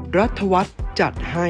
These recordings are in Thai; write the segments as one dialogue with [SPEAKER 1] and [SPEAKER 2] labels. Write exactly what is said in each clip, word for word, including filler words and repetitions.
[SPEAKER 1] รัฐวัฒน์จัดให้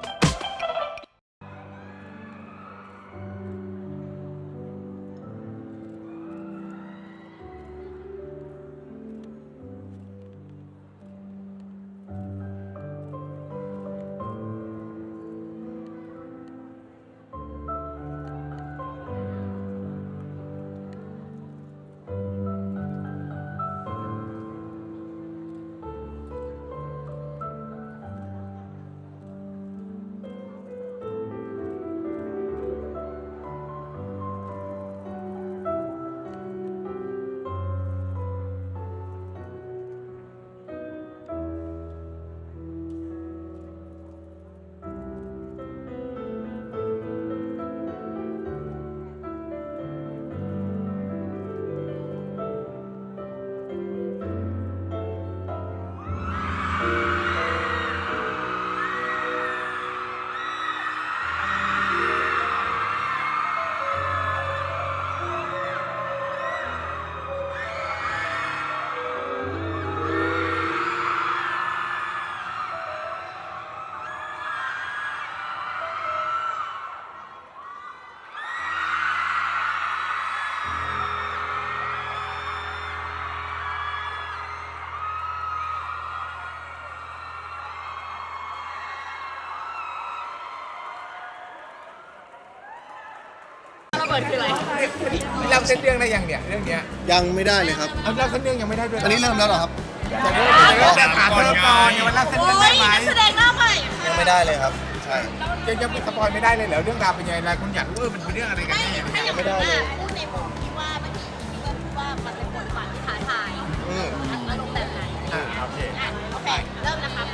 [SPEAKER 2] เราเส้นเรื่องได้ยังเนี่ยเรื่องเนี้ย
[SPEAKER 3] ยังไม่ได้เลยครับ
[SPEAKER 2] เอาเราเส้นเรื่องยังไม่ได้ด้วย
[SPEAKER 3] อันนี้เริ่มแล้วเหรอครับ
[SPEAKER 2] แต่เริ่มแต่หาเธอก่อนเนี่ยมันเล่าเส้นเรื่องได้ไหม
[SPEAKER 4] แสดงหน้าใหม่
[SPEAKER 3] ยังไม่ได้เลยครับใช่
[SPEAKER 2] ยังยังสปอยไม่ได้เลยเหรอเรื่องราวเป็นยังไงอะไรคุณอยากรู้ว่ามันเป็นเรื่องอะไรกัน
[SPEAKER 4] ไม่
[SPEAKER 2] แน่
[SPEAKER 4] ถ้าอย่างนั้นพูดในมุมที่ว่าเมื่อกี้ที่ก็พูดว่ามันเป็นบทบาทที่ท้าทาย
[SPEAKER 3] อืม
[SPEAKER 4] อารมณ์แบบไหน
[SPEAKER 2] อ่าโอเค
[SPEAKER 4] อ่ะโอเคเริ่มนะครับ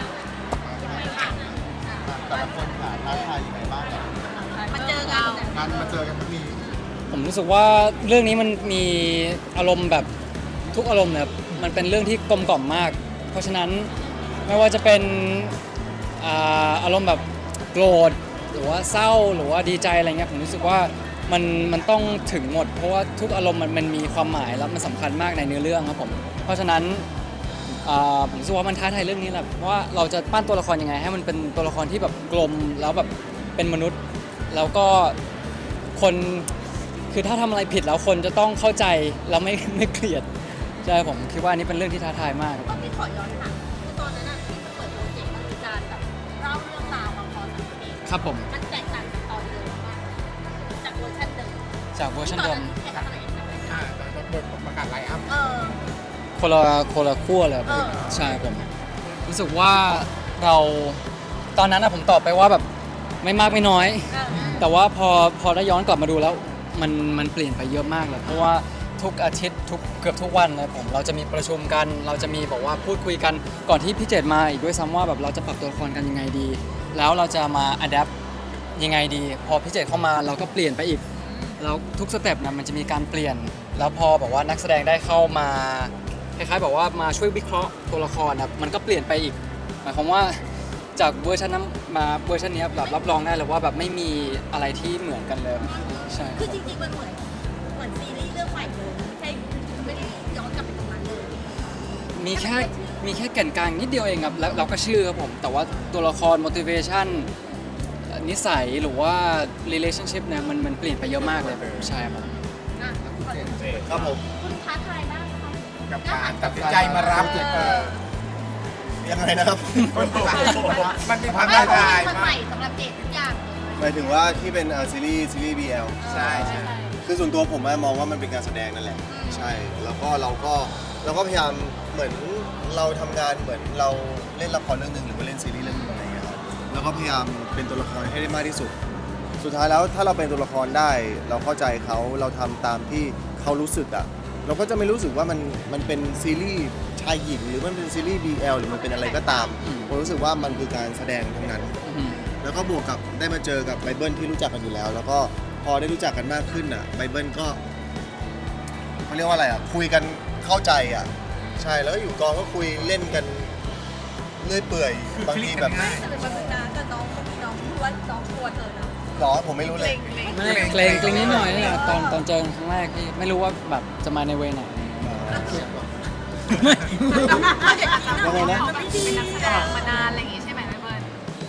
[SPEAKER 3] แต่ละคนผ่านท้าทายยังไงบ้าง
[SPEAKER 4] มาเจอกัน
[SPEAKER 3] การมาเจอกันครั้งนี้
[SPEAKER 5] ผมรู้สึกว่าเรื่องนี้มันมีอารมณ์แบบทุกอารมณ์เนี่ยมันเป็นเรื่องที่กลมกล่อมมาก เพราะฉะนั้นไม่ว่าจะเป็นอ่าอารมณ์แบบโกรธหรือว่าเศร้าหรือว่าดีใจอะไรเงี้ยผมรู้สึกว่ามันมันต้องถึงหมด เพราะว่าทุกอารมณ์มันมันมีความหมายแล้วมันสำคัญมากในเนื้อเรื่องครับผมเพราะฉะนั้นอ่าผมรู้สึกว่ามันท้าทายเรื่องนี้แหละว่าเราจะปั้นตัวละครยังไงให้มันเป็นตัวละครที่แบบกลมแล้วแบบเป็นมนุษย์แล้วก็คนคือถ้าทำอะไรผิดแล้วคนจะต้องเข้าใจแล้วไม่ไม่เกลียดใช่ผมคิดว่าอันนี้เป็นเรื่องที่ท้าทายมาก
[SPEAKER 4] ก็พี่ขอย้อนถามคือตอนนั้นที่มันเปิดโปรเจกต์มันมีการแบบเล่าเรื่องราวมาพอสมควร
[SPEAKER 5] ครับผม
[SPEAKER 4] มันแตกต่างจากตอนเดิมมากจากเวอร์ชันเดิม
[SPEAKER 5] จากเวอร์ชันเดิม
[SPEAKER 4] ที่ตอนนั้นแข่งอะไรกัน
[SPEAKER 2] อ่าแต่บทประกาศไลน์อัพ
[SPEAKER 4] เออ
[SPEAKER 5] คนละคนละขั้วเลยครับ
[SPEAKER 4] เออ
[SPEAKER 5] ใช่ผมรู้สึกว่าเราตอนนั้นนะผมตอบไปว่าแบบไม่มากไม่น้อย
[SPEAKER 4] เออ
[SPEAKER 5] แต่ว่าพอพอได้ย้อนกลับมาดูแล้วมันมันเปลี่ยนไปเยอะมากเลยเพราะว่าทุกอาทิตย์ทุกเกือบทุกวันเลยผมเราจะมีประชุมกัน เราจะมีบอกว่าพูดคุยกันก่อนที่พี่เจตมาอีกด้วยซ้ำว่าแบบเราจะปรับตัวละครกันยังไงดี แล้วเราจะมาอัดแอปยังไงดี พอพี่เจตเข้ามาเราก็เปลี่ยนไปอีกแล้วทุกสเต็ปนะมันจะมีการเปลี่ยน แล้วพอบอกว่านักแสดงได้เข้ามาคล้ายๆบอกว่ามาช่วยวิเคราะห์ตัวละครนะมันก็เปลี่ยนไปอีกหมายความว่าจากเวอร์ชันนั้นมาเวอร์ชันนี้แบบรับรองได้เลยว่าแบบไม่มีอะไรที่เหมือนกันเลยใช่
[SPEAKER 4] คือจริงๆมันเหมือนเหมือนซีรีส์เรื่องใหม่เลยไม่ใช่ไม่ได้ย้อนกลับไปตรงนั้นเลย
[SPEAKER 5] มีแค่มีแค่แก่นกลางนิดเดียวเองครับแล้วเราก็ชื่อครับผมแต่ว่าตัวละคร motivation นิสัยหรือว่า relationship เนี่ยมันมันเปลี่ยนไปเยอะมากเลยใช่ครับ
[SPEAKER 4] อ่ะขอ
[SPEAKER 3] ครับผม
[SPEAKER 4] คุณท้าทายมากนะคะ
[SPEAKER 2] กับการตัดสินใจมารับเออ
[SPEAKER 3] ยังไงนะครับ
[SPEAKER 2] มันมีความ
[SPEAKER 4] ไม่
[SPEAKER 2] ท้า
[SPEAKER 4] เพราะ
[SPEAKER 2] ทาย
[SPEAKER 4] มัน
[SPEAKER 2] มา
[SPEAKER 4] ใหม่
[SPEAKER 2] ก
[SPEAKER 4] สำหรับเด็กทุกอย่างเลย
[SPEAKER 3] หมายถึงว่าที่เป็นซีรีส์ซีรีส์ บี แอล
[SPEAKER 2] ใช่ใช่
[SPEAKER 3] คือส่วนตัวผมมองว่ามันเป็นการแสดงนั่นแหละใช่แล้วก็เราก็เราก็พยายามเหมือนเราทำงานเหมือนเราเล่นละครเรื่องหนึ่งหรือว่าเล่นซีรีส์เรื่องหนึงอะไรอย่างเงี้ยครับแล้วก็พยายามเป็นตัวละครให้ได้มากที่สุด สุดท้ายแล้วถ้าเราเป็นตัวละครได้ เราเข้าใจเขาเราทำตามที่เขารู้สึกอ่ะเราก็จะไม่รู้สึกว่ามันมันเป็นซีรีส์ชายหญิงหรือมันเป็นซีรีส์ บี แอล หรือมันเป็นอะไรก็ตามผมรู้สึกว่ามันคือการแสดงทั้งนั้น
[SPEAKER 5] อืม
[SPEAKER 3] แล้วก็บวกกับได้มาเจอกับไบเบิลที่รู้จักกันอยู่แล้ว แล้วก็พอได้รู้จักกันมากขึ้นอ่ะไบเบิลก็เขาเรียกว่าอะไรอ่ะคุยกันเข้าใจอ่ะใช่แล้วก็อยู่กองก็คุยเล่นกันเลื่อยเปื่อยบางทีแบบ
[SPEAKER 2] ง่าย
[SPEAKER 4] แต่เป็นปัญหาแต่น้องน้องพูดว่าน้องกลัวเธอนะ
[SPEAKER 3] หรอผมไม่รู้เลย
[SPEAKER 5] ไม่เกรงเกรงนิดหน่อยนี่แหละตอนตอนเจอกันครั้งแรกที่ไม่รู้ว่าแบบจะมาในเวไหน
[SPEAKER 3] ยังไงนะ
[SPEAKER 4] เป็นนักแสดงมานานอะไรอย่างงี้ใช่ไหมเบิ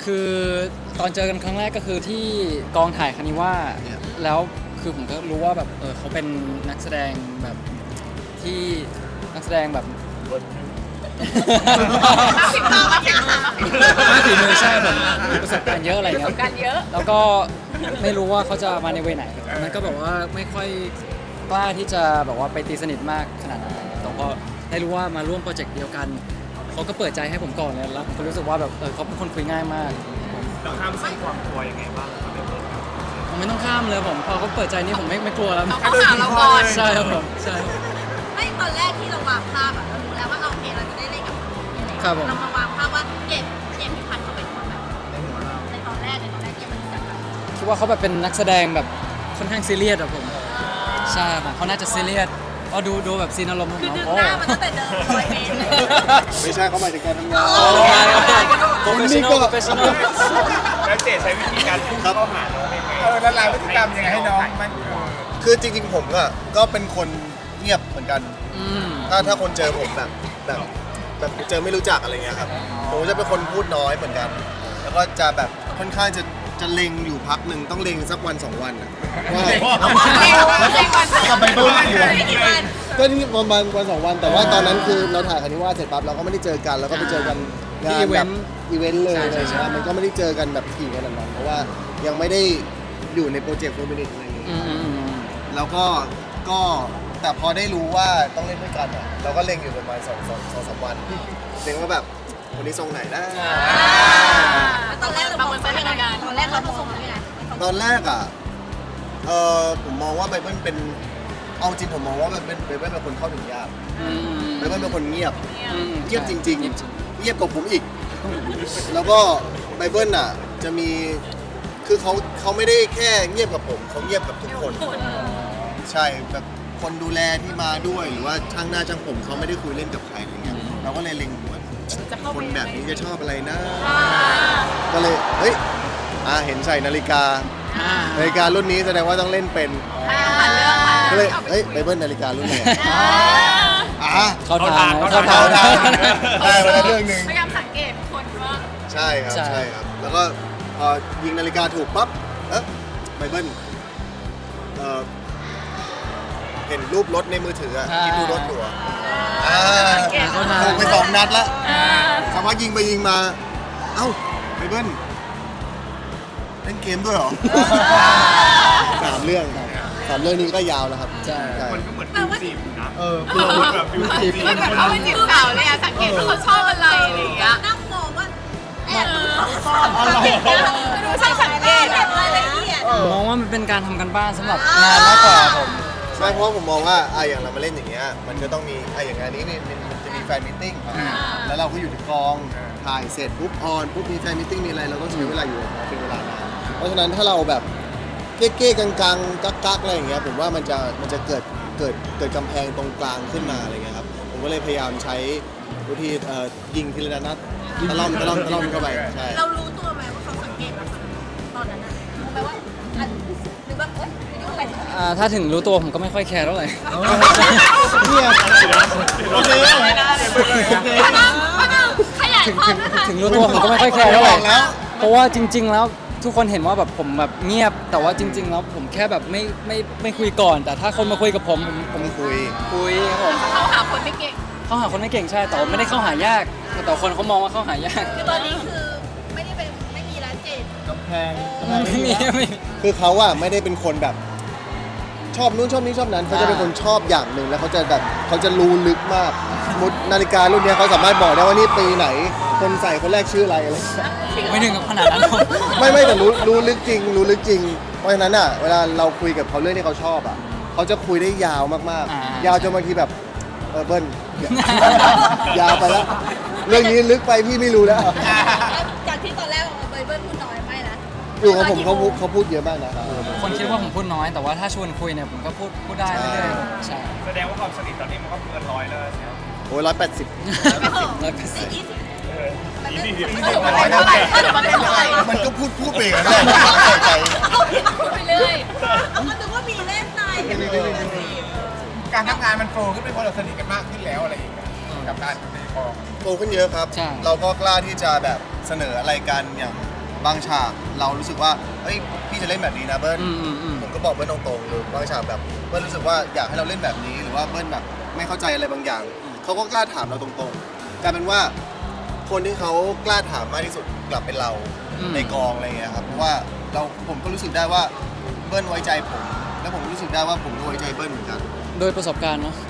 [SPEAKER 5] คือตอนเจอกันครั้งแรกก็คือที่กองถ่ายคานิว่าแล้วคือผมก็รู้ว่าแบบเออเขาเป็นนักแสดงแบบที่นักแสดงแบบ
[SPEAKER 4] สิบตาสิบตา
[SPEAKER 5] ไม่ฝีมือใช่ผมมีประสบการณ์เยอะอะไร
[SPEAKER 4] ประส
[SPEAKER 5] เงี้
[SPEAKER 4] บ
[SPEAKER 5] ย
[SPEAKER 4] การณ์เยอะ
[SPEAKER 5] แล้วก็ไม่รู้ว่าเขาจะมาในเวไหนมันก็แบบว่าไม่ค่อยกล้าที่จะแบบว่าไปตีสนิทมากขนาดนั้นแต่พอได้รู้ว่ามาร่วมโปรเจกต์เดียวกันเขาก็เปิดใจให้ผมก่อนเลยแล้วผมก็รู้สึกว่าแบบเออเขาเป็นคนคุยง่ายมาก
[SPEAKER 1] เราข้ามเส้นความกลัวยังไงบ้างครับในเรื่อง
[SPEAKER 5] ผมไม่ต้องข้ามเลยผมพอเขาเปิดใจนี่ผมไม่ไม่กลัวแล้ว
[SPEAKER 4] เขาหาเราก่อน
[SPEAKER 5] ใช่ครับผมใช่
[SPEAKER 4] ไม่ตอนแรกที่เราวางภาพอะเรารู้แล้วว่าโอเคเราจะได้เล่นกับคนนี้อะไร
[SPEAKER 5] ครับผม
[SPEAKER 4] เรามาวางภาพว่าเจมส์เจมส์พิพัฒน์เขาเป็นคนแบบในตอนแรกในตอนแรกเจมส์มันรู้จักกัน
[SPEAKER 5] คิดว่าเขาแบบเป็นนักแสดงแบบค่อนข้างซีเรียสอะผมใช่ผมเขาน่าจะซีเรียสเพราะดูดูแบบซีนอารมณ์ของ
[SPEAKER 4] คือ
[SPEAKER 5] น้อง
[SPEAKER 4] ดึง
[SPEAKER 5] โอ้
[SPEAKER 4] หน้ามันตั้งแต่เดินร้อยเมตรเลย
[SPEAKER 3] ไม่ใช่เขาหมายถึงการทำงาน
[SPEAKER 5] โอ้โปรเฟชชั่นอลโปรเฟชชั่นอล
[SPEAKER 1] แล้วเจใช้วิธีการพุ่งเข้าหาน้องยังไง
[SPEAKER 2] เออละลายพฤติกรรมยังไงให้น้องมันเออ
[SPEAKER 3] คือจริงๆผมอะก็เป็นคนเงียบเหมือนกัน
[SPEAKER 5] อืม
[SPEAKER 3] ถ้าถ้าคนเจอผมแบบแบบแบบเจอไม่รู้จักอะไรเงี้ยครับผมจะเป็นคนพูดน้อยเหมือนกัน แล้วก็จะแบบค่อนข้างจะจะเล็งอยู่พักหนึ่งต้องเล็งสักวันสองวันอะว่า
[SPEAKER 4] กลับไปบ้านกี่วัน
[SPEAKER 3] ก็นี่ประมาณวันสองวันแต่ว่าตอนนั้นคือเราถ่ายคานิว่าเสร็จปั๊บเราก็ไม่ได้เจอกันแล้วก็ไปเจอกันงานแบบอีเวนต์เลยเลยใช่ไหมมันก็ไม่ได้เจอกันแบบถี่ขนาดนั้นเพราะว่ายังไม่ได้อยู่ในโปรเจกต์โฟร์มินิทอะไรอย่างเงี้ย
[SPEAKER 5] อืมอืมอืม
[SPEAKER 3] แล้วก็ก็แต่พอได้รู้ว่าต้องเล่นด้วยกันอ่ะเราก็เล็งอยู่ประมาณสองสองสองสามวันเล็งว่าแบบคนนี้ทรงไหนนะ
[SPEAKER 4] ตอนแรกเรามองเป็นยังไงตอนแรกเราผสมยังไง
[SPEAKER 3] ตอนแรกอ่ะเออผมมองว่าไบเบิลเป็นเอาจริงผมมองว่าไบเบิลไบเบิลเป็นคนเข้าถึงยาก
[SPEAKER 5] อืม
[SPEAKER 3] ไบเบิลเป็นคนเงียบ
[SPEAKER 5] อืม
[SPEAKER 3] เงียบจริง
[SPEAKER 5] เงียบ
[SPEAKER 3] ๆ เงียบกว่าผมอีก แล้วก็ไบเบิลอ่ะจะมีคือเขาเขาไม่ได้แค่เงียบกับผมเขาเงียบกับทุกคน ใช่แบบคนดูแลที่มาด้วยหรือว่าช่างหน้าช่างผมเขาไม่ได้คุยเล่นกับใครอะไรเงี้ยเราก็เลยเล็งหัวคนแบบนี้จะชอบอะไรนะ ก็เลยเฮ้ยอ่าเห็นใส่นาฬิกา
[SPEAKER 5] อ่า
[SPEAKER 3] นาฬิการุ่นนี้แสดงว่าต้องเล่นเป็น
[SPEAKER 4] ผ่านเรื่องผ่าน
[SPEAKER 3] ก็
[SPEAKER 4] เรื่
[SPEAKER 3] เล
[SPEAKER 4] อย ง
[SPEAKER 3] เฮ้ยไบเบิลนาฬิการุ่นไหนอ่า
[SPEAKER 5] เข้าทาง
[SPEAKER 1] เข้า
[SPEAKER 5] เข้า
[SPEAKER 1] ทา
[SPEAKER 5] ทาง ง
[SPEAKER 3] ได้มาแล้วเรื่องหนึ่ง
[SPEAKER 4] พยายามสังเกตคนว่า
[SPEAKER 3] ใช่ครับ
[SPEAKER 5] ใช่
[SPEAKER 3] ใช่ครับ แล้วก็พอยิงนาฬิกาถูกปั๊บเอ๊ะไบเบิลเอ่อเห็นรูปรถในมือถืออะที่ดูรถอยู่อะอ่า
[SPEAKER 5] เข้าทาง
[SPEAKER 3] ถูกไปสองนัดแล้วสักพักยิงไปยิงมา เอ้าไบเบิลเล่นเกมด้วยเหรอ สามเรื่องครับสามเรื่องนี้ก็ยาวแล้วครับ
[SPEAKER 5] ใช่
[SPEAKER 1] มันก็เหมือนฟิวจีบนะ
[SPEAKER 3] เออ
[SPEAKER 1] คือแบบฟิวจีบ
[SPEAKER 4] มันเหมือนเขาเป็นจีบสาวเลยอะสังเกตว่าเขาชอบอะไรอะไรอย่างเงี้ยนั่งมองว่าแอบสังเกตดูช่างสังเกตแบบรายละเอียด
[SPEAKER 5] มองว่ามันเป็นการทำกันบ้านสำหรับงานมากกว่าผม
[SPEAKER 3] ใช่เพราะว่าผมมองว่าอ่ะอย่างเรามาเล่นอย่างเงี้ยมันก็ต้องมีอ่ะอย่างงานนี้นี่มันมันจะมีแฟนมิทติ้งแล้วเราก็อยู่ที่กองถ่ายเสร็จปุ๊บออนปุ๊บมีแฟนมิทติ้งมีอะไรเราก็ใช้เวลาอยู่กับเขาเป็นเวลานานเพราะฉะนั้นถ้าเราแบบเก๊ๆกังๆกักๆอะไรอย่างเงี้ยผมว่ามันจะมันจะเกิดเกิดเกิดกำแพงตรงกลางขึ้นมาอะไรเงี้ยครับผมก็เลยพยายามใช้วิธีเอ่อยิงทีละนัดตะล่อมตะล่อมตะล่อมเข้าไปใช่
[SPEAKER 4] เรารู้ตัวไหมว่าเขาสังเกตเราตอนนั้นนะรู้ไหมว่าอันหรือว่าเอ้ยยุ่งอะไร
[SPEAKER 5] อ่าถ้าถึงรู้ตัวผมก็ไม่ค่อยแคร์เท่าไหร่
[SPEAKER 3] เนี่ยโอเค
[SPEAKER 4] พนังพนังขยาย
[SPEAKER 5] ถึง
[SPEAKER 4] ความ
[SPEAKER 5] ถึง
[SPEAKER 4] นะคะ
[SPEAKER 5] ถึงรู้ตัวผมก็ไม่ค่อยแคร์เท่าไหร่
[SPEAKER 3] บอกแล้ว
[SPEAKER 5] เพราะว่าจริง ๆ แล้วทุกคนเห็นว่าแบบผมแบบเงียบ แต่ว่าจริง ๆ แล้วผมแค่แบบไม่ไม่ไม่คุยก่อน แต่ถ้าคนมาคุยกับผมผมผม
[SPEAKER 3] คุย
[SPEAKER 5] คุยครับผม
[SPEAKER 4] เขาหาคนไม่เก่ง
[SPEAKER 5] เข้าหาคนไม่เก่งใช่ แต่ว่าไม่ได้เข้าหายาก แต่คนเขามองว่าเข้าหายาก
[SPEAKER 4] คือตอนนี้คือไม่ได้เป็นไม่มีร้านเจด
[SPEAKER 3] กำแพง
[SPEAKER 5] ไม่มีไม่มี
[SPEAKER 3] คือเขาอะไม่ได้เป็นคนแบบ ชอบนู้นชอบนี้ชอบนั้นเขาจะเป็นคนชอบอย่างหนึ่งแล้วเขาจะแบบเขาจะรู้ลึกมากสมมุตินาฬิการุ่นเนี้ยเขาสามารถบอกได้ว่านี่ปีไหน คนใส่คนแรกชื่ออะไรอะไร
[SPEAKER 5] ไม่ถึงกับขนาดนั้นผม
[SPEAKER 3] ไม่ไม่แต่รู้รู้ลึกจริง รู้ลึกจริง เพราะฉะนั้นอะเวลาเราคุยกับเขาเรื่องที่เขาชอบอะเขาจะคุยได้ยาวมากๆ ยาวจนบางทีแบบเออเบิ้ล ยาวไปแล้วเรื่องนี้ลึกไปพี่ไม่รู้แล้ว
[SPEAKER 4] จากที่ตอนแรกบอกว่าไบเบิลพูดน้อยไม่นะ
[SPEAKER 3] อยู่กับผมเขาพูดเขาพูดเยอะมากนะ
[SPEAKER 5] คนคิดว่าผมพูดน้อย แต่ว่าถ้าชวนคุยเนี่ยผมก็พูดพูดได้เรื่อยๆใช่
[SPEAKER 1] แสดงว่าความสนิทตอนนี้มันก็เกินร้อยแล้วใช่ไหม
[SPEAKER 3] โอ้ยร้อยแปดสิบ
[SPEAKER 5] ร้อยแปดสิบ
[SPEAKER 4] ยี่สิบ
[SPEAKER 1] ยี่สิบ
[SPEAKER 4] มันถือว่าเท่าไหร่มันถือว่าเท่าไหร่
[SPEAKER 3] มันก็พูดพูดไปอย่างนั้นแหละใส่ใจ
[SPEAKER 4] พูดไปเรื่อยเอาก็นึกว่ามีเล่นใน
[SPEAKER 2] การทำงานมันโฟล์ขึ้นเป็นเพราะเราสนิทกันมากขึ้นแล้วอะไรอย่างเงี้ยกับการในกอง
[SPEAKER 3] โตขึ้นเยอะครับ
[SPEAKER 5] ใช่
[SPEAKER 3] เราก็กล้าที่จะแบบเสนออะไรกันอย่างบางฉากเรารู้สึกว่าเอ้ยพี่จะเล่นแบบนี้นะเบิ้ล
[SPEAKER 5] อืมอืมอืม
[SPEAKER 3] ผมก็บอกเบิ้ลตรงๆหรือบางฉากแบบเบิ้ลรู้สึกว่าอยากให้เราเล่นแบบนี้หรือว่าเบิ้ลแบบไม่เข้าใจอะไรบางอย่างเขาก็กล้าถามเราตรงๆกลายเป็นว่าคนที่เขากล้าถามมากที่สุดกลับเป็นเรา
[SPEAKER 5] อืม
[SPEAKER 3] ในกองอะไรเงี้ยครับเพราะว่าเราผมก็รู้สึกได้ว่าเบิ้ลไว้ใจผม แล้วผมรู้สึกได้ว่าผมก็ไว้ใจเบิ้ลเหมือนกัน
[SPEAKER 5] โดยประสบการณ์เนาะ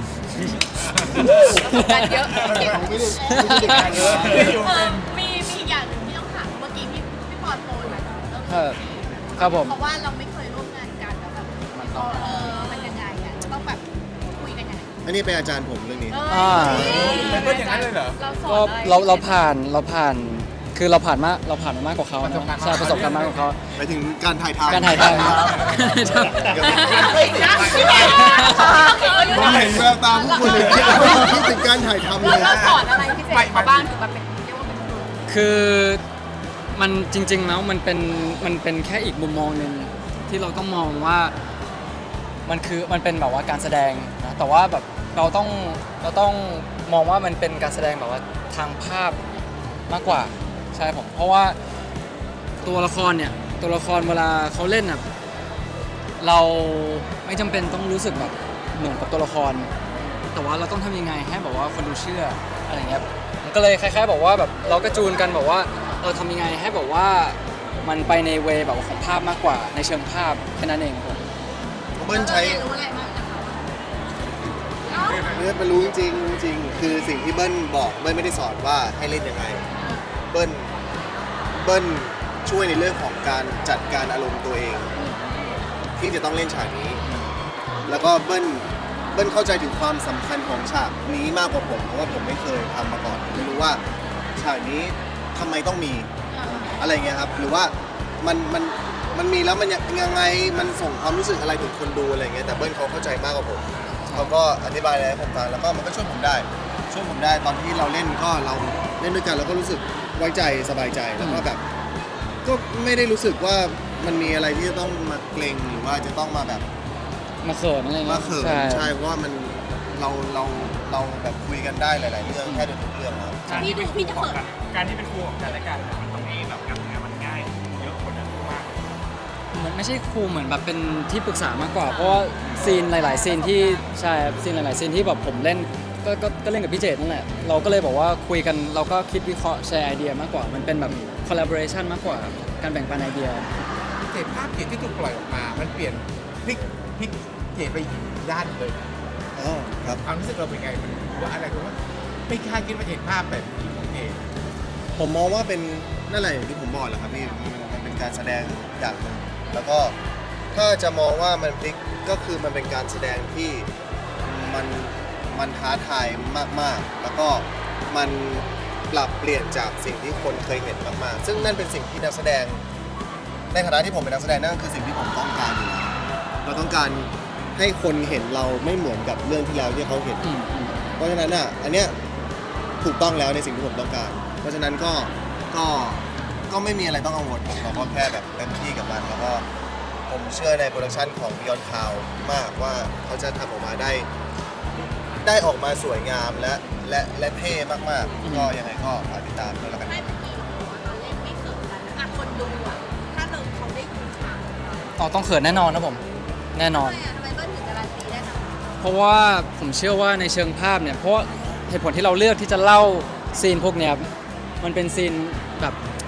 [SPEAKER 4] กันเยอะ
[SPEAKER 3] ไม่ได้ไม่ได้เด็กการเยอะ
[SPEAKER 4] เออมีมีอย่างหนึ่งที่ต้องถามเมื่อกี้พี่พี่ปอนโปรยมาเออ
[SPEAKER 5] ครับผม
[SPEAKER 4] เพราะว่าเราไม่เคยร่วมงานกันแล้วแบบเออมันยังไงอ่ะต้องแบบคุยกันยังไง
[SPEAKER 3] อันนี้เป็นอาจารย์ผมเรื่องนี้
[SPEAKER 5] อ่า
[SPEAKER 2] มันเป็นอย่างนั้นเลยเหรอ
[SPEAKER 4] เราสอ
[SPEAKER 5] ก็
[SPEAKER 4] นอะไร
[SPEAKER 5] เราเราผ่านเราผ่านคือเราผ่านมาเราผ่านมามากกว่าเขา
[SPEAKER 2] ประสบการณ์
[SPEAKER 5] ใช่ประสบการณ์มากกว่าเขา
[SPEAKER 3] ไปถึงการถ่ายทำ
[SPEAKER 5] การถ่ายทำ
[SPEAKER 4] เฮ้ยนะพี่แม่
[SPEAKER 3] ผมเห็นแววตาพวกคุณเลยคิดถึงการถ่ายทำเลย
[SPEAKER 4] เราสอนอะไรพี่เจมเขาบ้างถึงแบบเป็นเรียกว่าเป็นครู
[SPEAKER 5] คือมันจริงๆแล้วมันเป็นมันเป็นแค่อีกมุมมองหนึ่งที่เราต้องมองว่ามันคือมันเป็นแบบว่าการแสดงนะแต่ว่าแบบเราต้องเราต้องมองว่ามันเป็นการแสดงแบบว่าทางภาพมากกว่าใช่ผมเพราะว่าตัวละครเนี่ยตัวละครเวลาเขาเล่นอ่ะเราไม่จำเป็นต้องรู้สึกแบบเหมือนกับตัวละคร แต่ว่าเราต้องทำยังไงให้แบบว่าคนดูเชื่ออะไรเงี้ยมันก็เลยคล้ายๆบอกว่าแบบเราก็จูนกันบอกว่าเราทำยังไงให้แบบว่ามันไปในเวแบบว่าของภาพมากกว่าในเชิงภาพแค่นั้นเองครับผม
[SPEAKER 3] เบิ้ลใช้
[SPEAKER 4] เรียนรู้อะไรบ้างจากเขาเนาะ
[SPEAKER 3] เบิ้ลเป็นรู้จริงๆจริงๆคือสิ่งที่เบิ้ลบอกเบิ้ลไม่ได้สอนว่าให้เล่นยังไงเบิ้ลเบิ้ลช่วยในเรื่องของการจัดการอารมณ์ตัวเอง ที่จะต้องเล่นฉากนี้ แล้วก็เบิ้ลเบิ้ลเข้าใจถึงความสำคัญของฉากนี้มากกว่าผมเพราะว่าผมไม่เคยทำมาก่อนไม่รู้ว่าฉากนี้ทำไมต้องมีอะไรเงี้ยครับหรือว่ามันมันมันมีแล้วมันยังไงมันส่งความรู้สึกอะไรถึงคนดูอะไรเงี้ยแต่เบิ้ลเขาเข้าใจมากกว่าผมเขาก็อธิบายอะไรให้ผมฟังแล้วก็มันก็ช่วยผมได้ช่วยผมได้ตอนที่เราเล่นก็เราเล่นด้วยกันเราก็รู้สึกไว้ใจสบายใจแล้วก็แบบก็ไม่ได้รู้สึกว่ามันมีอะไรที่จะต้องมาเกรงหรือว่าจะต้องมาแบบ
[SPEAKER 5] มาเขินอะไรเงี้
[SPEAKER 3] มาย เขิน
[SPEAKER 5] ใช่
[SPEAKER 3] ใช่เพราะว่ามันเราเราเราแบบคุยกันได้หลาย ๆ เรื่องแค่เดินทุกเรื่องครับ
[SPEAKER 4] พี่ดูพี่จะเปิด
[SPEAKER 1] การที่เป็นครูของกันและกันมันทำให้แบบการทำงานมันง่ายเยอะกว่านั้นมาก
[SPEAKER 5] เหมือนไม่ใช่ครูเหมือนแบบเป็นที่ปรึกษามากกว่า เพราะว่าซีนหลาย ๆ ซีนที่ใช่ครับซีนหลาย ๆ ซีนที่แบบผมเล่นก็ก็ก็เล่นกับพี่เจตนั่นแหละเราก็เลยบอกว่าคุยกันเราก็คิดวิเคราะห์แชร์ไอเดียมากกว่ามันเป็นแบบ collaboration มากกว่าการแบ่งปันไอเดีย
[SPEAKER 2] เจตภาพเจตที่ถูกปล่อยออกมา มันเปลี่ยนพลิกพลิกเจตไปอีกด้านเลย
[SPEAKER 3] อ๋อครับ
[SPEAKER 2] ความรู้สึกเราเป็นไงมันว่าอะไรคือว่าไม่คาดคิดว่าเห็นภาพแบบนี้ของเจต
[SPEAKER 3] ผมมองว่าเป็นนั่นแหละอย่างที่ผมบอกแหละครับพี่มันมันเป็นการแสดงอย่างหนึ่งแล้วก็ถ้าจะมองว่ามันพลิกก็คือมันเป็นการแสดงที่มันมันท้าทายมากๆ แล้วก็มันปรับเปลี่ยนจากสิ่งที่คนเคยเห็นมากๆ ซึ่งนั่นเป็นสิ่งที่นักแสดงในฐานะที่ผมเป็นนักแสดงนั่นคือสิ่งที่ผมต้องการอยู่แล้วเราต้องการให้คนเห็นเราไม่เหมือนกับเรื่องที่แล้วที่เขาเห็น
[SPEAKER 5] อืมอืม
[SPEAKER 3] เพราะฉะนั้นอ่ะ อันเนี้ยถูกต้องแล้วในสิ่งที่ผมต้องการ เพราะฉะนั้นก็ ก็ ก็ไม่มีอะไรต้องกังวลครับเราก็แค่แบบเต็มที่กับมัน แล้วก็ผมเชื่อในโปรดักชันของ Beyond Cloud มากว่าเขาจะทำออกมาได้ ได้ออกมาสวยงามและ และ และเท่มากๆ ก็ยังไงก็ฝากติดตามด้วยแล้วกัน
[SPEAKER 4] ไม่เมื่อกี้เราเล่นไม่เขินกันนะคนดูอ่ะถ้าเราเขาได้ดูฉากของเรา
[SPEAKER 5] อ๋อต้องเขินแน่นอนนะผมแน่นอน
[SPEAKER 4] ทำไมอ่ะทำไมเบิ้ลถึงการันตีได้นะ
[SPEAKER 5] เพราะว่าผมเชื่อว่าในเชิงภาพเนี่ยเพราะว่าเหตุผลที่เราเลือกที่จะเล่าซีนพวกเนี้ยมันเป็นซีนแบบ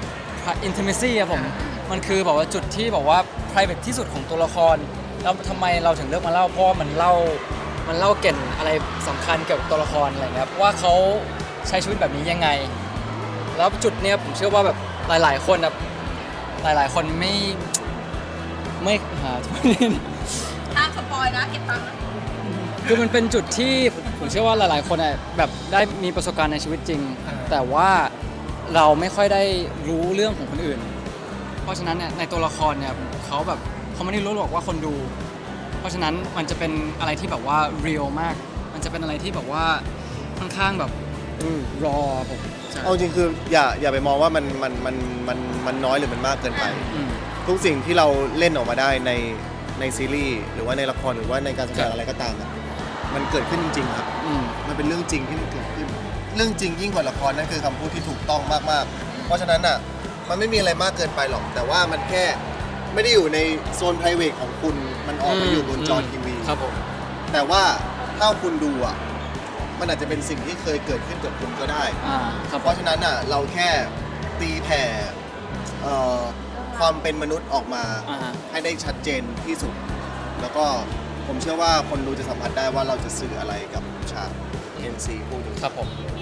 [SPEAKER 5] intimacy อะผมมันคือแบบว่าจุดที่บอกว่า private ที่สุดของตัวละครแล้วทำไมเราถึงเลือกมาเล่าเพราะว่ามันเล่ามันเล่าเกร็นอะไรสำคัญเกี่ยวกับตัวละครอะไรเงี้ยว่าเขาใช้ชีวิตแบบนี้ยังไง แล้วจุดเนี้ยผมเชื่อว่าแบบหลายๆคนแบบหลายๆคนไม่ไม่หา
[SPEAKER 4] ห้ามสปอยนะเก็บตังค์นะ
[SPEAKER 5] คือมันเป็นจุดที่ผมเชื่อว่าหลายๆ คนอ่ะแบบได้มีประสบการณ์ในชีวิตจริง แต่ว่าเราไม่ค่อยได้รู้เรื่องของคนอื่น เพราะฉะนั้นเนี่ยในตัวละครเนี่ยเขาแบบเขาไม่ได้รู้หรอกว่าคนดู เพราะฉะนั้นมันจะเป็นอะไรที่แบบว่าเรียลมาก มันจะเป็นอะไรที่แบบว่าค่อนข้างแบบ
[SPEAKER 3] อืม
[SPEAKER 5] รอผมใช่
[SPEAKER 3] เอาจริงคืออย่า อย่าไปมองว่ามัน มัน มัน มัน มันน้อยหรือมันมากเกินไป
[SPEAKER 5] อืม
[SPEAKER 3] ทุกสิ่งที่เราเล่นออกมาได้ใน ในซีรีส์หรือว่าในละครหรือว่าในการแสด
[SPEAKER 5] ครั
[SPEAKER 3] ง
[SPEAKER 5] บ
[SPEAKER 3] อะไรก็ตามอะมันเกิดขึ้นจริงๆครับ
[SPEAKER 5] อืม
[SPEAKER 3] มันเป็นเรื่องจริงที่มันเกิดขึ้น เรื่องจริงยิ่งกว่าละครนั่นคือคำพูดที่ถูกต้องมากๆ เพราะฉะนั้นอ่ะมันไม่มีอะไรมากเกินไปหรอก แต่ว่ามันแค่ไม่ได้อยู่ในโซน private ของคุณมันออกมาอยู่บนจอทีวี
[SPEAKER 5] ครับผม
[SPEAKER 3] แต่ว่าถ้าคุณดูอ่ะมันอาจจะเป็นสิ่งที่เคยเกิดขึ้นกับคุณก็ได้
[SPEAKER 5] อ่าครับ
[SPEAKER 3] เพราะฉะนั้นอ่ะเราแค่ตีแผ่เอ่อความเป็นมนุษย์ออกมา
[SPEAKER 5] อ่าฮะ
[SPEAKER 3] ให้ได้ชัดเจนที่สุด แล้วก็ผมเชื่อว่าคนดูจะสัมผัสได้ว่าเราจะสื่ออะไรกับฉาก เอ็น ซี พูดถึง
[SPEAKER 5] ครับผม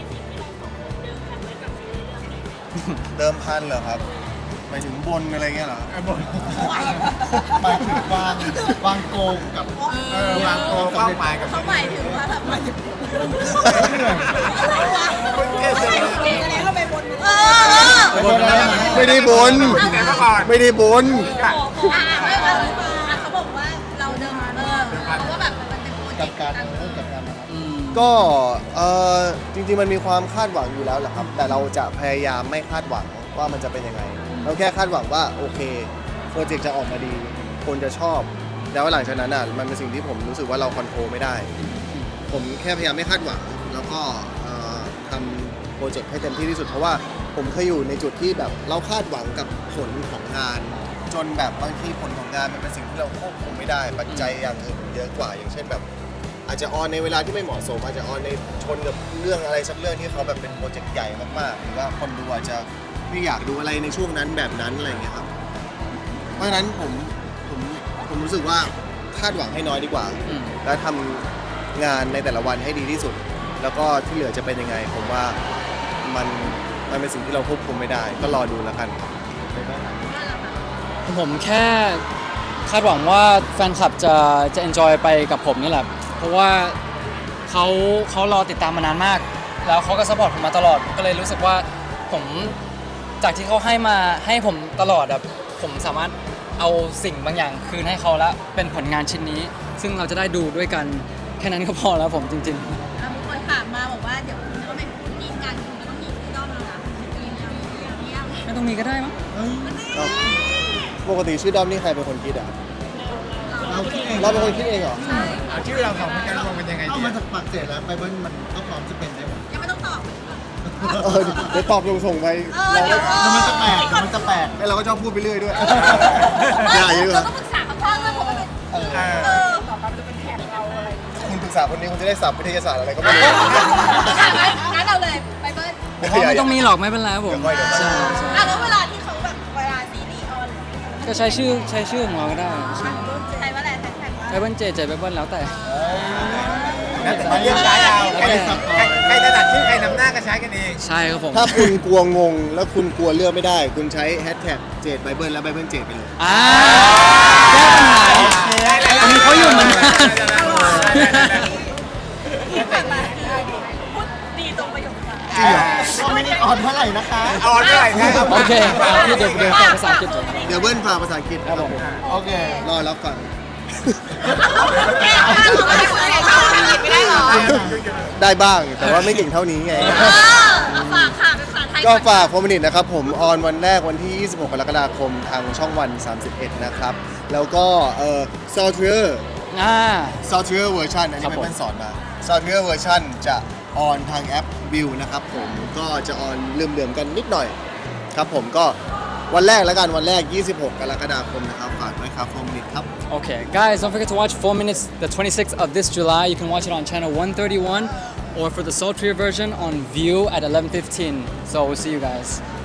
[SPEAKER 3] เดิมพันเหรอครับหมายถึงบนอะไรเงี้ยเหรอ
[SPEAKER 2] เออบน
[SPEAKER 3] หมายถึงวางวางโกงกับ
[SPEAKER 2] เออวางโกเป้าหมายกับ
[SPEAKER 4] เขาหมายถึงว่าแบบมันเออ
[SPEAKER 3] ไม่ได้บน
[SPEAKER 2] แต่เมื่อก่อน
[SPEAKER 3] ไม่ได้บน
[SPEAKER 4] อ่าไม่ว่าเขาบอกว่าเราเดิมเออเพราะว่าแบบมันเป็นโปรเจกต์การเมือง
[SPEAKER 5] อืม
[SPEAKER 3] ก็เออจริงๆมันมีความคาดหวังอยู่แล้วแหละครับ แต่เราจะพยายามไม่คาดหวังว่ามันจะเป็นยังไง เราแค่คาดหวังว่าโอเคโปรเจกต์จะออกมาดี คนจะชอบ แล้วหลังจากนั้นอ่ะมันเป็นสิ่งที่ผมรู้สึกว่าเราคอนโทรลไม่ได้ ผมแค่พยายามไม่คาดหวัง แล้วก็เอ่อทำโปรเจกต์ให้เต็มที่ที่สุดเพราะว่าผมเคยอยู่ในจุดที่แบบเราคาดหวังกับผลของงาน จนแบบบางทีผลของงานมันเป็นสิ่งที่เราควบคุมไม่ได้ ปัจจัยอย่างอื่นเยอะกว่าอย่างเช่นแบบ อาจจะออนในเวลาที่ไม่เหมาะสม อาจจะออนในชนกับเรื่องอะไรสักเรื่องที่เขาแบบเป็นโปรเจกต์ใหญ่มากๆหรือว่าคนดูอาจจะไม่อยากดูอะไรในช่วงนั้นแบบนั้นอะไรอย่างเงี้ยครับ เพราะฉะนั้นผมผมผมรู้สึกว่าคาดหวังให้น้อยดีกว่า
[SPEAKER 5] อืม
[SPEAKER 3] แล้วทำงานในแต่ละวันให้ดีที่สุด แล้วก็ที่เหลือจะเป็นยังไง ผมว่ามันมันเป็นสิ่งที่เราควบคุมไม่ได้ ก็รอดูแล้วกันครับ
[SPEAKER 5] ผมแค่คาดหวังว่าแฟนคลับจะจะ enjoy ไปกับผมนี่แหละ เพราะว่าเขาเขารอติดตามมานานมาก แล้วเขาก็ support ผมมาตลอด ก็เลยรู้สึกว่าผมจากที่เขาให้มาให้ผมตลอดแบบผมสามารถเอาสิ่งบางอย่างคืนให้เขาแล้วเป็นผลงานชิ้นนี้ ซึ่งเราจะได้ดูด้วยกันแค่นั้นก็พอแล้วผมจริง
[SPEAKER 4] อ่ะมีคนถามมาบอกว่าเดี๋ยวคุณก็เป็นคู่จิ้นกันคุณก็ต้องมีคู่ด้อมแล้วนะมีแล้วมีแล้วมีแล้ว
[SPEAKER 5] ๆ ไม่ต้องมีก็ได้มั้ง
[SPEAKER 3] ก็ปกติชื่อดอมนี่ใครเป็นคนคิดอ่ะ
[SPEAKER 2] เราคิดเอง
[SPEAKER 3] เราเป็นคนคิดเองเหรอ
[SPEAKER 2] เอาชื่อเราสองคนกันรวมเป็นยังไง
[SPEAKER 6] เอา
[SPEAKER 2] ดี
[SPEAKER 6] มาจากปากเสร็จแล้วไปเบิ้ลมันก็พร้อมจะเป็นได้หมด
[SPEAKER 4] ยังไม่ต้องตอบ
[SPEAKER 3] เออเดี๋ยวตอบส่งๆไป
[SPEAKER 4] เออเดี๋ยว
[SPEAKER 6] แล้วมันจะแปลกเดี๋ยวมันจะแปลก
[SPEAKER 3] ไอ้เราก็ชอบพูดไปเรื่อยด้วย
[SPEAKER 4] เอ
[SPEAKER 3] อย่า
[SPEAKER 4] อ
[SPEAKER 3] เยอะ
[SPEAKER 4] เราต้องปรึกษาเขาก่อนว่าเขาเป็น
[SPEAKER 2] เออ
[SPEAKER 4] เออ
[SPEAKER 3] คุณปรึกษาคนนี้คุณจะได้สับวิทยาศาสตร์อะไรก็ไม่รู้
[SPEAKER 4] อ่ะงั้นงั้นเราเลยไปเบิ้ล
[SPEAKER 5] ผมว่าไม่ต้องมีหรอกไม่เป็นไรครับผม
[SPEAKER 3] เดี๋ยวค่อยเดี๋ยวค่อย
[SPEAKER 5] ใช่ใช่
[SPEAKER 4] อ่ะแล้วเวลาที่เขาแบบเวลาซีรีส์ออน
[SPEAKER 5] ก็ใช้ชื่อใช้ชื่อของเราก็ได้ใช่
[SPEAKER 4] ใช้ว่าอะไรแท็กว่า
[SPEAKER 5] ไบเบิลเจเจไบเบิลแล้วแต่
[SPEAKER 2] แล้วแต่เรียกใช้เอาใครใครถนัดชื่อใครนำหน้าก็ใช้กันเอง
[SPEAKER 5] ใช่ครับผม
[SPEAKER 3] ถ้าคุณกลัวงงแล้วคุณกลัวเลือกไม่ได้ คุณใช้แฮชแท็กเจดไบเบิลและไบเบิลเจดไปเลย
[SPEAKER 5] อ่าแก้ปัญหาอันนี้เขาอยู่เหมือนกัน
[SPEAKER 4] ที่ผ่านมาพูดดีตรงประโยคนั้น
[SPEAKER 3] จริงเหรอ
[SPEAKER 6] ก็ไม่ได้ออนเท่าไหร่นะคะ
[SPEAKER 2] ออนเท่าไหร่นะ
[SPEAKER 5] โอเคเอาที่เดี๋ยวเดี๋ยวฟังภาษาอังกฤษก่อน
[SPEAKER 3] เดี๋ยวเบิ้ลฝากภาษาอังกฤษ
[SPEAKER 5] ครับผม
[SPEAKER 6] โอเค
[SPEAKER 3] รอรับฟัง
[SPEAKER 4] แก้ปัญหาเราไม่ได้คุยกันเขาทำอะไรไม่ได้หรอ
[SPEAKER 3] ได้บ้าง แต่ว่าไม่เก่งเท่านี้ไง
[SPEAKER 4] เออฝากค่ะเป็นภาษาไทย
[SPEAKER 3] ก็ฝากโฟมินิตนะครับ ผมออนวันแรกวันที่ ยี่สิบหก กรกฎาคมทางช่องวัน สามสิบเอ็ด นะครับ แล้วก็เอ่อซอฟต์แวร์
[SPEAKER 5] อ่า
[SPEAKER 3] ซอฟต์แวร์เวอร์ชันอัน
[SPEAKER 5] ครั
[SPEAKER 3] นี้
[SPEAKER 5] บผม
[SPEAKER 3] เป็นสอนมาซอฟต์แวร์เวอร์ชันจะออนทางแอปวิวนะครับผมก็จะออนเลื่อมๆกันนิดหน่อยครับผมก็วันแรกแล้วกันวันแรก ยี่สิบหก กรกฎาคมนะครับฝากด้วยครับโฟมินิตครับ
[SPEAKER 5] Okay, guys, don't forget to watch four minutes the twenty-sixth of this July. You can watch it on channel one thirty-one or for the sultry version on View at eleven fifteen. So we'll see you guys.